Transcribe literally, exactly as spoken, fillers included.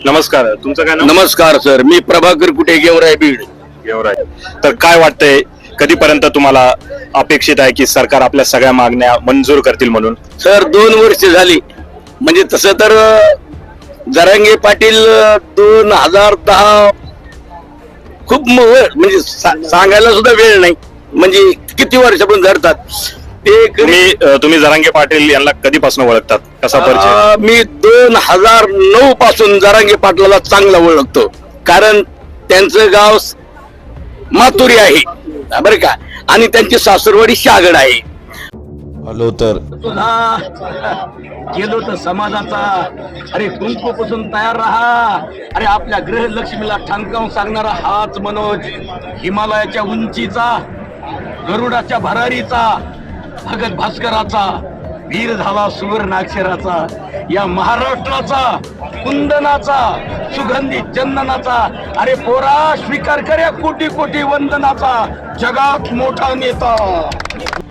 नमस्कार, तुमचं काय नाव? नमस्कार सर, मी प्रभाकर कुठे गेवराय बीड. गेवराय. तर काय वाटतंय, कधीपर्यंत तुम्हाला अपेक्षित आहे की सरकार आपल्या सगळ्या मागण्या मंजूर करतील म्हणून? सर दोन वर्ष झाली, म्हणजे तसं तर अं, जरांगे पाटील अं, दोन हजार दहा खूप म- व- म्हणजे सा- सांगायला सुद्धा वेळ नाही, म्हणजे किती वर्षापासून धरतात ते. कधी- तुम्ही अ, तुम्ही जरांगे पाटील यांना कधीपासून ओळखतात, कसा परिचय? अं, मी दोन हजार नऊ पासून जरांगे पाटलाला चांगला ओळखतो, कारण त्यांचं गाव मातुरी आहे बरं का, आणि त्यांची सासरवाडी शागड आहे. आलो तर तुझा गेलो तर समाजाचा, अरे कुंकूपासून तयार राहा. अरे आपल्या ग्रहलक्ष्मीला ठणकावून सांगणारा हाच मनोज, हिमालयाच्या उंचीचा, गरुडाच्या भरारीचा, भगत भास्कराचा, वीर झाला सुवर्णाक्षराचा, या महाराष्ट्राचा, कुंदनाचा, सुगंधी चंदनाचा. अरे पोरा स्वीकार कर या कोटी कोटी वंदनाचा, जगात मोठा नेता.